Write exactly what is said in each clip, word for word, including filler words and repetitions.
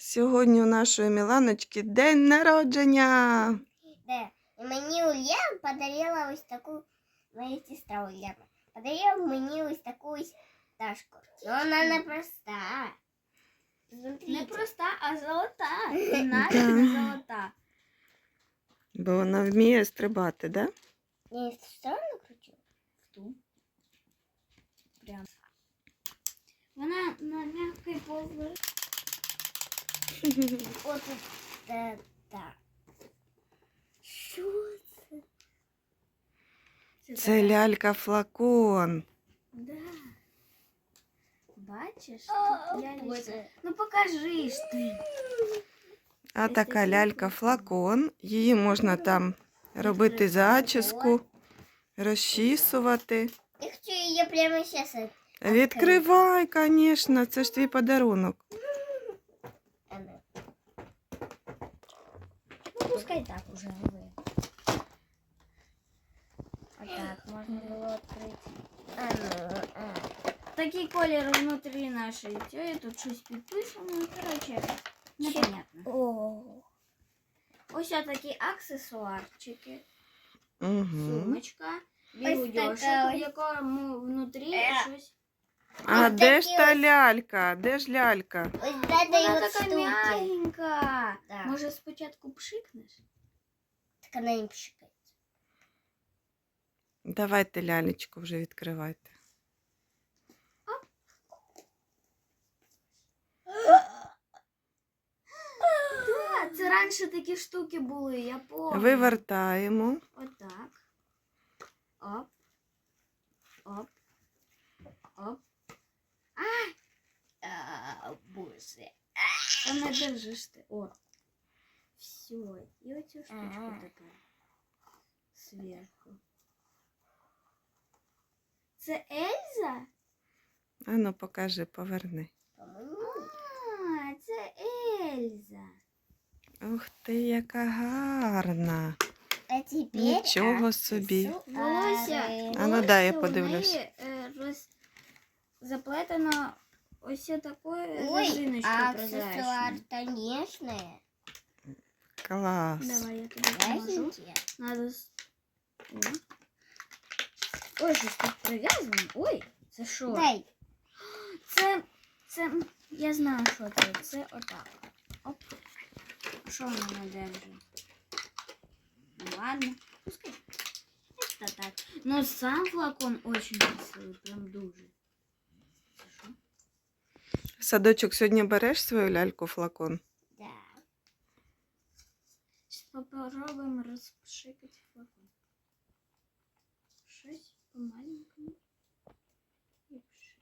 Сьогодні у нашої Міланочки день народження. Да. І мені Ульяна подарила ось таку, моя сестра Ульяна, подарила мені ось таку ось пташку. Но вона не проста. Не проста, а золота. І навіть Да. не золота. Бо вона вміє стрибати, да? Я в сторону кручу? В ту. Прям. Вона на м'який поверх. От це так. Що це? Це лялька-флакон. Да. Бачиш? О, Тут лялечка. Боже. Ну покажи ж ти. А така лялька-флакон. Її можна там робити зачіску, розчісувати. Я хочу її прямо зараз. Відкривай, звісно, це ж твій подарунок. Ну пускай так уже ви. Отак можна було відкрити. А ну, а. Такий колір внутрі нашої тієї, тут щось підписано. Коротше, непонятно. О. Ось такі аксесуарчики. Угу. Сумочка, Ось бігудьошок, така в ось. якому внутрі Е. щось. А Ось де ж такі та ось. лялька? Де ж лялька? Ось де Вона дають така штуки. м'ягенька. Да. Може спочатку пшикнеш? Так вона не пшикає. Давайте лялечку вже відкривайте. Так, це раніше такі штуки були, я пам'ятаю. Вивертаємо. Отак. Оп. Оп. Оп. А, боже. Та не держиш ти. О. Все. І оцю штучку Ага. тепер. Зверху. Це Ельза? А ну покажи, поверни. А, це Ельза. Ух ти, яка гарна. А теперь Нічого собі. Волосся. А ну дай я волосся у подивлюсь. неї, е, роз... заплетено ось такою Ой, резиночкою а аксессуар, прозрачною. Клас. конечно. Давай я тобі поможу. Ясненькие. Надо... с- О. Ой, щось тут прив'язано. Ой, це що? Дай. Це, це, я знаю, що це. Це отак. Оп. Що вона не держить? Ну ладно, пускай. Это так. Но сам флакон очень красивий, прям дуже. Це що? Садочок, сьогодні береш свою ляльку-флакон? Да. Сейчас попробуем розпшикати флакон. Щось по-маленькому. І пшик.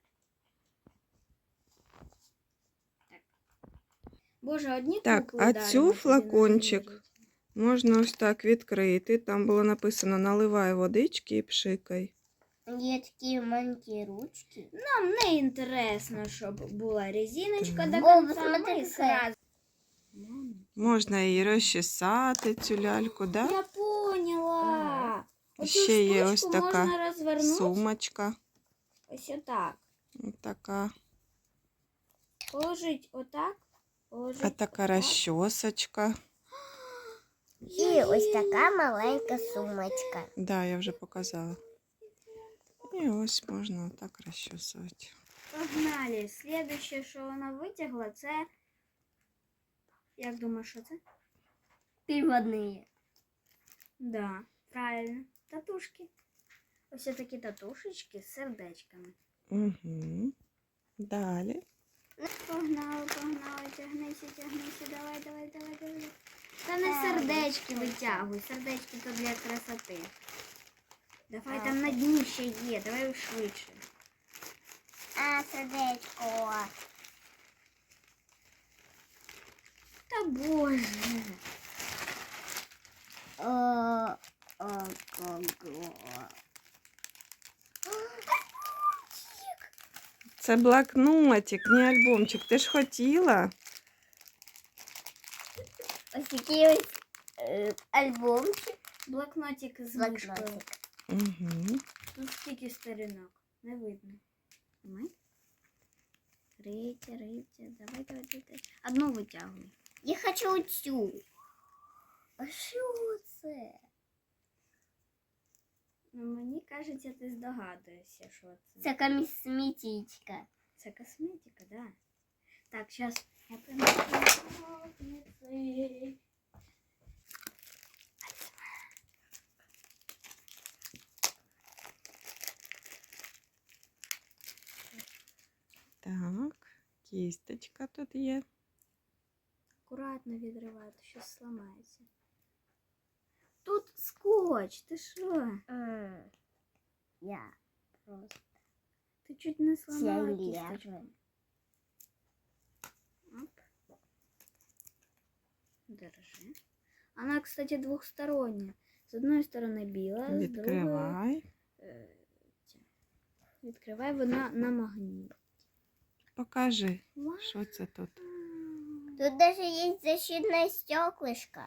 Так. Боже, одні Так, кукли а даримо цю тобі на флакончик день можна ось так відкрити. Там було написано наливай водички і пшикай. Є такі маленькі ручки. Нам не інтересно, щоб була резиночка до Так. О, конца. посмотри, Ми какая. сразу. Мама. Можна її розчесати, цю ляльку, да? Я поняла. Ага. Оцю Ще є ось штучку така можна розвернути. Сумочка. Ось отак. Ось така. Положить отак. Положить А така отак. розчосочка. І ось така маленька сумочка. Да, я вже показала. І ось можна отак розчосувати. Погнали. Слідуще, що вона витягла, це... Як думаєш, що це? Переводные. Да, правильно. Татушки. Ось такі татушечки з сердечками. Угу. Далі. Погнали, погнали, тягнися, тягнися, давай, давай, давай, давай. Та не сердечки витягуй, сердечки то для красоти. Давай, там на дні ще є, давай швидше. А, сердечко. Та боже. О, о, кого. Це блокнотик, не альбомчик. Ти ж хотіла? Ось такий ось е, альбомчик. Блокнотик з мишкою. Блокнотик. Угу. Тут стільки сторінок, не видно. Ми? Рийте, рийте, давай, давай, давай. А одну витягуй. Я хочу цю. А що це? Ну, мені кажеться, ти здогадуєшся, що це. Це косметичка. Це косметика, да. Так, зараз я принесу ножниці. Так, кісточка тут є. Акуратно відривай, то щось зламається. Тут скотч, ти що? М, Я просто Ти чуть не сломала Це кісточку. лежу. Оп. Держи. Она, кстати, двухсторонняя. С одной стороны біла, з другої Відкривай. е, ця. Відкривай, вона на магніт. Покажи, Вау. що це тут. Тут даже есть защитное стеклышко.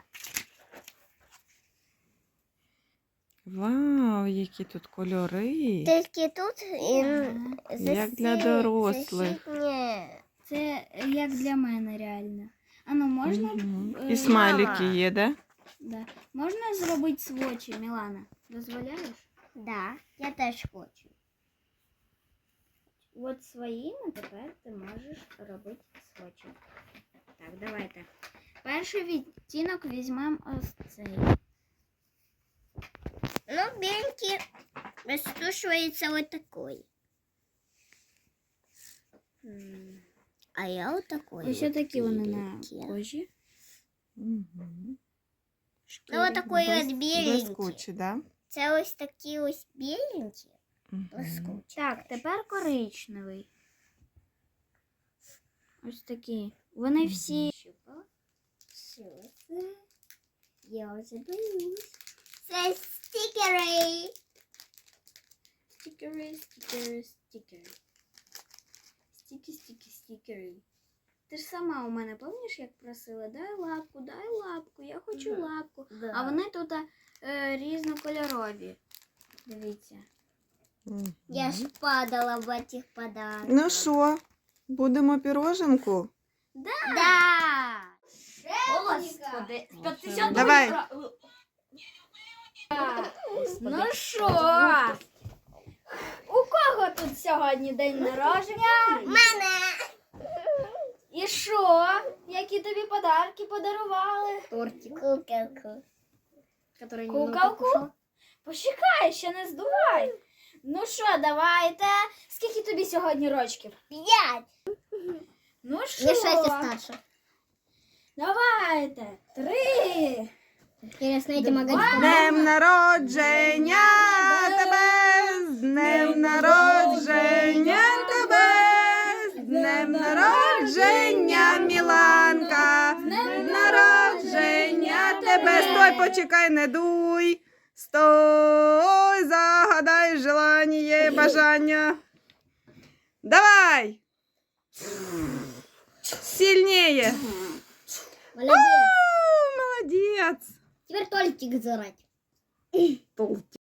Вау, які тут кольори. Тільки тут і Ага. Як для дорослих. защитне. Це як для мене реально. А ну можна? Мгм. е, І смайлики є, да? Да. Можна зробити свочі, Мілана? Дозволяєш? Да, я теж хочу. От своїми тепер ти можеш робити свочі. Так, давайте. Перший відтінок візьмемо ось цей. Ну, беленький растушивается вот такой. М. А я вот такой. Ось вот такі вони на беленький. кожі. Угу. Ну, вот такой Блис- вот беленький. Блискучі, да? Це ось такі ось беленькі. Мгм. Блискучі. Так, тепер коричневий. Ось такі. Вони всі. Що це? Я вже боюсь. Це стікери. Стікери, стікери, стікери. Стіки, стіки, стікери. Ти ж сама у мене, пам'ятаєш, як просила? Дай лапку, дай лапку, я хочу Да. лапку. Да. А вони тут е, різнокольорові. Дивіться. Мгм. Я ж падала в этих подарках. Ну що, будемо піроженку? Да. Господи, Давай. Ну що? У кого тут сьогодні день народження? Мене. І що? Які тобі подарки подарували? Тортик. Куколку. Куколку? Почекай, ще не здувай. Ну що, давайте. Скільки тобі сьогодні рочків? П'ять. Ну що? Не шесть старше. Давайте. Три. Интересно, эти Два. магазины. Днем народження тебе! З днем народження тебе! З днем народження, Міланка! З днем народження тебе! Стой, почекай, не дуй! Стой, загадай желання, бажання! Давай! Сильнее! Молодец. Молодец! Теперь тортик зарать. Толстый.